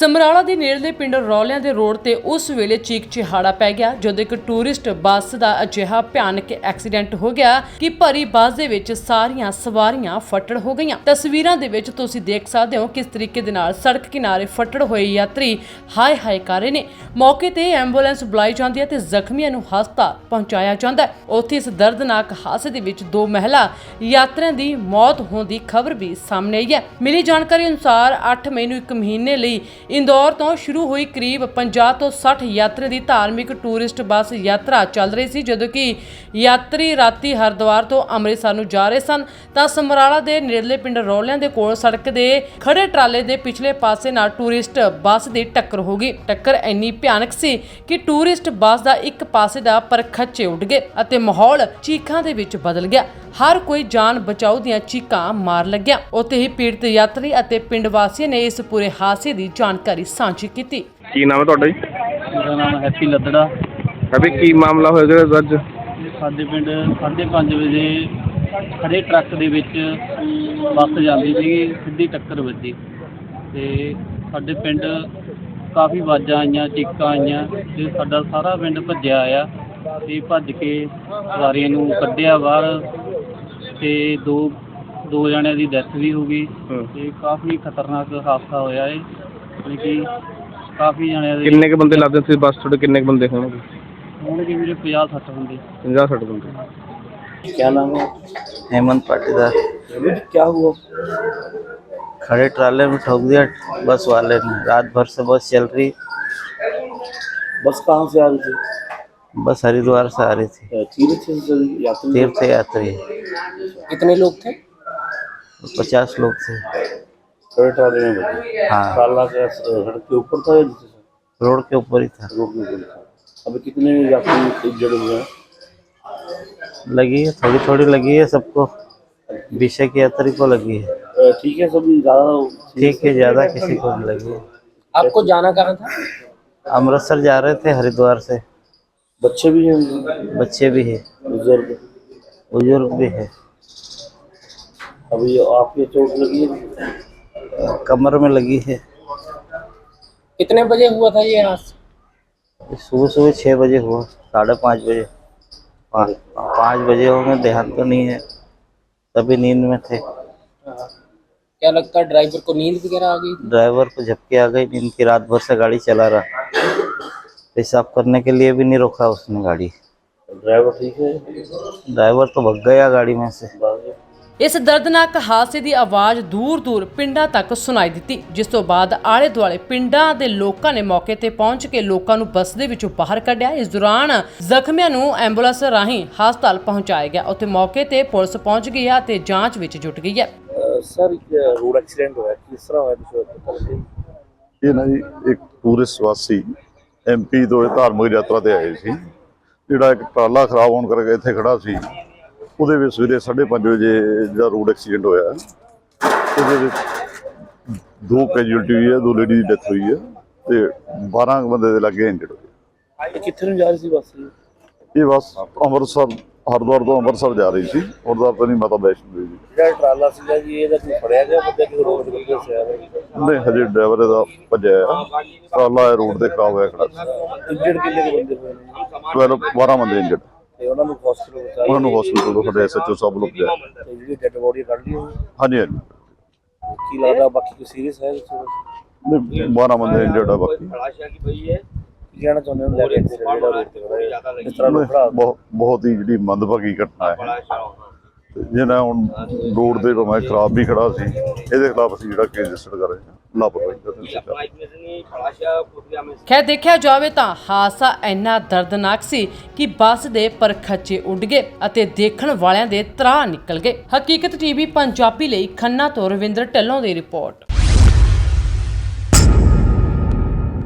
ਸਮਰਾਲਾ ਦੇ ਨੇੜਲੇ ਪਿੰਡ ਰੌਲਿਆਂ ਦੇ ਰੋਡ ਤੇ ਉਸ ਵੇਲੇ ਚੀਕ ਚਿਹਾੜਾ ਪੈ ਗਿਆ ਜਦੋਂ ਇੱਕ ਟੂਰਿਸਟ ਬੱਸ ਦਾ ਅਜਿਹਾ ਭਿਆਨਕ ਐਕਸੀਡੈਂਟ ਹੋ ਗਿਆ ਕਿ ਭਰੀ ਬੱਸ ਦੇ ਵਿੱਚ ਸਾਰੀਆਂ ਸਵਾਰੀਆਂ ਫੱਟੜ ਹੋ ਗਈਆਂ। ਤਸਵੀਰਾਂ ਦੇ ਵਿੱਚ ਤੁਸੀਂ ਦੇਖ ਸਕਦੇ ਹੋ ਕਿਸ ਤਰੀਕੇ ਦੇ ਨਾਲ ਸੜਕ ਕਿਨਾਰੇ ਫੱਟੜ ਹੋਏ ਯਾਤਰੀ ਹਾਏ ਹਾਏ ਕਰ ਰਹੇ ਨੇ। ਮੌਕੇ ਤੇ ਐਂਬੂਲੈਂਸ ਬੁਲਾਈ ਜਾਂਦੀ ਹੈ ਤੇ ਜ਼ਖਮੀਆਂ ਨੂੰ ਹਸਪਤਾਲ ਪਹੁੰਚਾਇਆ ਜਾਂਦਾ ਹੈ। ਉੱਥੇ ਇਸ ਦਰਦਨਾਕ ਹਾਦਸੇ ਦੇ ਵਿੱਚ 2 ਮਹਿਲਾ ਯਾਤਰੀਆਂ ਦੀ ਮੌਤ ਹੋਣ ਦੀ ਖਬਰ ਵੀ ਸਾਹਮਣੇ ਆਈ ਹੈ। ਮਿਲੀ ਜਾਣਕਾਰੀ ਅਨੁਸਾਰ 8 ਮਈ ਨੂੰ 1 ਮਹੀਨੇ ਲਈ ਇੰਦੌਰ ਤੋਂ ਸ਼ੁਰੂ ਹੋਈ ਕਰੀਬ 50 ਤੋਂ 60 ਯਾਤਰੀ ਦੀ ਧਾਰਮਿਕ ਟੂਰਿਸਟ ਬੱਸ ਯਾਤਰਾ ਚੱਲ ਰਹੀ ਸੀ। ਜਦੋਂ ਕਿ ਯਾਤਰੀ ਰਾਤੀ ਹਰਿਦੁਆਰ ਤੋਂ ਅੰਮ੍ਰਿਤਸਰ ਨੂੰ ਜਾ ਰਹੇ ਸਨ ਤਾਂ ਸਮਰਾਲਾ ਦੇ ਨੇੜਲੇ ਪਿੰਡ ਰੌਲਿਆਂ ਦੇ ਕੋਲ ਸੜਕ ਦੇ ਖੜੇ ਟਰਾਲੇ ਦੇ ਪਿਛਲੇ ਪਾਸੇ ਨਾਲ ਟੂਰਿਸਟ ਬੱਸ ਦੀ ਟੱਕਰ ਹੋ ਗਈ। ਟੱਕਰ ਇੰਨੀ ਭਿਆਨਕ ਸੀ ਕਿ ਟੂਰਿਸਟ ਬੱਸ ਦਾ ਇੱਕ ਪਾਸੇ ਦਾ ਪਰਖੱਚੇ ਉੱਡ ਗਏ ਅਤੇ ਮਾਹੌਲ ਚੀਖਾਂ ਦੇ ਵਿੱਚ ਬਦਲ ਗਿਆ। ਹਰ ਕੋਈ ਜਾਨ ਬਚਾਓ ਦੀਆਂ ਚੀਕਾਂ ਮਾਰ ਲੱਗਿਆ। ਉੱਥੇ ਹੀ ਪੀੜਤ ਯਾਤਰੀ ਅਤੇ ਪਿੰਡ ਵਾਸੀਆਂ ਨੇ ਇਸ ਪੂਰੇ ਹਾਦਸੇ ਦੀ ਜਾਣਕਾਰੀ ਸਾਂਝੀ ਕੀਤੀ। ਕੀ ਨਾਮ ਹੈ ਤੁਹਾਡਾ ਜੀ? ਮੇਰਾ ਨਾਮ ਹੈਪੀ ਲੱਦੜਾ। ਅਭੀ ਕੀ ਮਾਮਲਾ ਹੋਇਆ ਜਿਹੜਾ ਅੱਜ? ਸਾਡੇ ਪਿੰਡ 5:30 ਵਜੇ ਖੜੇ ਟਰੱਕ ਦੇ ਵਿੱਚ ਬੱਸ ਜਾਂਦੀ ਸੀਗੀ, ਸਿੱਧੀ ਟੱਕਰ ਵੱਜੀ ਤੇ ਸਾਡੇ ਪਿੰਡ ਕਾਫੀ ਆਵਾਜ਼ਾਂ ਆਈਆਂ, ਚੀਕਾਂ ਆਈਆਂ ਤੇ ਸਾਡਾ ਸਾਰਾ ਪਿੰਡ ਭੱਜਿਆ ਆ ਤੇ ਭੱਜ ਕੇ ਸਵਾਰੀਆਂ ਨੂੰ ਕੱਢਿਆ ਬਾਹਰ ਤੇ ਦੋ ਜਣਿਆਂ ਦੀ ਡੈਥ ਵੀ ਹੋ ਗਈ ਤੇ ਕਾਫੀ ਖਤਰਨਾਕ ਹਾਦਸਾ ਹੋਇਆ ਹੈ। ਯਾਨੀ ਕਿ ਕਾਫੀ ਜਣਿਆਂ ਦੇ ਕਿੰਨੇ ਕੁ ਬੰਦੇ ਲੱਗਦੇ ਸੀ ਬੱਸ ਤੁਹਾਡੇ? ਕਿੰਨੇ ਕੁ ਬੰਦੇ ਹੋਣਗੇ? ਹੋਣਗੇ ਮੇਰੇ 50-60 ਬੰਦੇ। 50-60 ਬੰਦੇ। क्या नाम है? हेमंत पाटीदार। क्या हुआ? खड़े ट्राले में ठोक दिया बस वाले ने। रात भर से बस चल रही। बस कहाँ से आ रही थी? बस हरिद्वार से आ रही थी। यात्री तीर्थ यात्री। कितने लोग थे? 50 लोग थे। खड़े ट्राले में बजे? हाँ, ट्राला का सड़क के ऊपर था या नीचे था? रोड के ऊपर ही था। रोड के ऊपर था। अभी कितने यात्री इंजर्ड हुए हैं? लगी है, थोड़ी थोड़ी लगी है सबको। 20 की यात्री को लगी है। ठीक है, सब ज़्यादा ठीक है, ज्यादा किसी को नहीं लगी है। आपको जाना कहाँ था? अमृतसर जा रहे थे हरिद्वार से। बच्चे भी हैं? बच्चे भी है, बुजुर्ग भी है। अभी आपके चोट लगी है? कमर में लगी है। कितने बजे हुआ था ये हादसा? सुबह 6 बजे हुआ, 5:30 बजे। 5 बजे होंगे, ध्यान तो नहीं है, तभी नींद में थे। क्या लगता है ड्राइवर को नींद वगैरह आ गई? ड्राइवर को झपकी आ गई नींद की। रात भर से गाड़ी चला रहा, पेशाब करने के लिए भी नहीं रोका उसने गाड़ी। ड्राइवर ठीक है? ड्राइवर तो भग गया गाड़ी में से। ਇਸ ਦਰਦਨਾਕ ਹਾਦਸੇ ਦੀ ਆਵਾਜ਼ ਦੂਰ-ਦੂਰ ਪਿੰਡਾਂ ਤੱਕ ਸੁਣਾਈ ਦਿੱਤੀ, ਜਿਸ ਤੋਂ ਬਾਅਦ ਆਲੇ-ਦੁਆਲੇ ਪਿੰਡਾਂ ਦੇ ਲੋਕਾਂ ਨੇ ਮੌਕੇ ਤੇ ਪਹੁੰਚ ਕੇ ਲੋਕਾਂ ਨੂੰ ਬੱਸ ਦੇ ਵਿੱਚੋਂ ਬਾਹਰ ਕੱਢਿਆ। ਇਸ ਦੌਰਾਨ ਜ਼ਖਮੀਆਂ ਨੂੰ ਐਂਬੂਲੈਂਸ ਰਾਹੀਂ ਹਸਪਤਾਲ ਪਹੁੰਚਾਇਆ ਗਿਆ। ਉੱਥੇ ਮੌਕੇ ਤੇ ਪੁਲਿਸ ਪਹੁੰਚ ਗਈ ਹੈ ਤੇ ਜਾਂਚ ਵਿੱਚ ਜੁਟ ਗਈ ਹੈ। सर रोड एक्सीडेंट हुआ है, किस तरह हुआ? ਇਹ ਨਾ ਜੀ ਇੱਕ ਟੂਰਿਸਟ ਵਾਸੀ MP ਤੋਂ ਇਹ ਧਾਰਮਿਕ ਯਾਤਰਾ ਤੇ ਆਏ ਸੀ। ਜਿਹੜਾ ਇੱਕ ਟਰਾਲਾ ਖਰਾਬ ਹੋਣ ਕਰਕੇ ਇੱਥੇ ਖੜਾ ਸੀ, ਉਹਦੇ ਵਿੱਚ ਸਵੇਰੇ 5:30 ਵਜੇ ਜਿਹੜਾ ਰੋਡ ਐਕਸੀਡੈਂਟ ਹੋਇਆ, ਉਹਦੇ ਵਿੱਚ 2 ਕੈਜੂਅਲਟੀ ਹੋਈ ਹੈ, 2 ਲੇਡੀ ਦੀ ਡੈਥ ਹੋਈ ਹੈ ਤੇ 12 ਬੰਦੇ ਦੇ ਲੱਗੇ ਇੰਜਰਡ ਹੋਏ। कितने में जा रही थी बस? ਇਹ ਬੱਸ ਅੰਮ੍ਰਿਤਸਰ ਹਰਿਦੁਆਰ ਤੋਂ ਅੰਮ੍ਰਿਤਸਰ ਜਾ ਰਹੀ ਸੀ। ਹਰਿਦੁਆਰ ਤੋਂ ਨਹੀਂ, ਮਾਤਾ ਵੈਸ਼ਨੋ ਦੇਵੀ। ਜਿਹੜਾ ਟਰਾਲਾ ਸੀਗਾ ਜੀ, ਇਹਦਾ ਕੋਈ ਫੜਿਆ ਗਿਆ ਬੰਦਾ ਕਿ ਰੋਡ ਦੇ ਉੱਤੇ ਸਿਆ ਹੋਇਆ? ਨਹੀਂ, ਹਜੇ ਡਰਾਈਵਰ ਇਹਦਾ ਭੱਜਿਆ ਹੈ। ਟਰਾਲਾ ਰੋਡ ਤੇ ਖਰਾਬ ਹੋਇਆ ਖੜਾ ਸੀ। ਇੰਜਰਡ ਕਿੰਨੇ ਕੁ ਬੰਦੇ ਹੋਏ ਨੇ? 12 ਬੰਦੇ ਇੰਜਰਡ। ਤੇ ਉਹਨਾਂ ਨੂੰ ਹਸਪੀਟਲ ਪਹੁੰਚਾਇਆ? ਉਹਨਾਂ ਨੂੰ ਹਸਪੀਟਲ ਤੋਂ ਸਾਡੇ SHO ਸਾਹਿਬ ਲੋਕ ਗਏ। ਤੇ ਜਿਹੜੀ ਡੈਡ ਬੋਡੀ ਕੱਢ ਲਈ ਹੋਈ? ਹਾਂਜੀ ਹਾਂਜੀ। ਕੀ ਲੱਗਦਾ ਬਾਕੀ ਕੋਈ ਸੀਰੀਅਸ ਹੈ? ਨਹੀਂ, 12 ਬੰਦੇ ਇੰਜਰਡ ਆ ਬਾਕੀ। ਕੀ ਕਹਿਣਾ ਚਾਹੁੰਦੇ ਹੋ ਲੈ ਕੇ ਜਿਹੜਾ ਰੋਡ ਤੇ ਹੋਇਆ ਇਸ ਤਰ੍ਹਾਂ ਨੂੰ ਖੜਾ? ਬਹੁਤ ਹੀ ਜਿਹੜੀ ਮੰਦਭਾਗੀ ਘਟਨਾ ਹੈ। ਜਿਹਨਾਂ ਹੁਣ ਰੋਡ ਦੇ ਭਾਵੇਂ ਖਰਾਬ ਵੀ ਖੜਾ ਸੀ, ਇਹਦੇ ਖਿਲਾਫ ਅਸੀਂ ਜਿਹੜਾ ਕੇਸ ਰਜਿਸਟਰ ਕਰ ਰਹੇ ਹਾਂ, ਲਾਪਰਵਾਹੀ ਦਾ ਦੋਸ਼। ਖੈਰ ਦੇਖਿਆ ਜਾਵੇ ਤਾਂ ਹਾਦਸਾ ਇੰਨਾ ਦਰਦਨਾਕ ਸੀ ਕਿ ਬੱਸ ਦੇ ਪਰਖੱਚੇ ਉੱਡ ਗਏ ਅਤੇ ਦੇਖਣ ਵਾਲਿਆਂ ਦੇ ਤਰਾਹ ਨਿਕਲ ਗਏ। ਹਕੀਕਤ TV ਪੰਜਾਬੀ ਲਈ ਖੰਨਾ ਤੋਂ ਰਵਿੰਦਰ ਢਿੱਲੋਂ ਦੀ ਰਿਪੋਰਟ।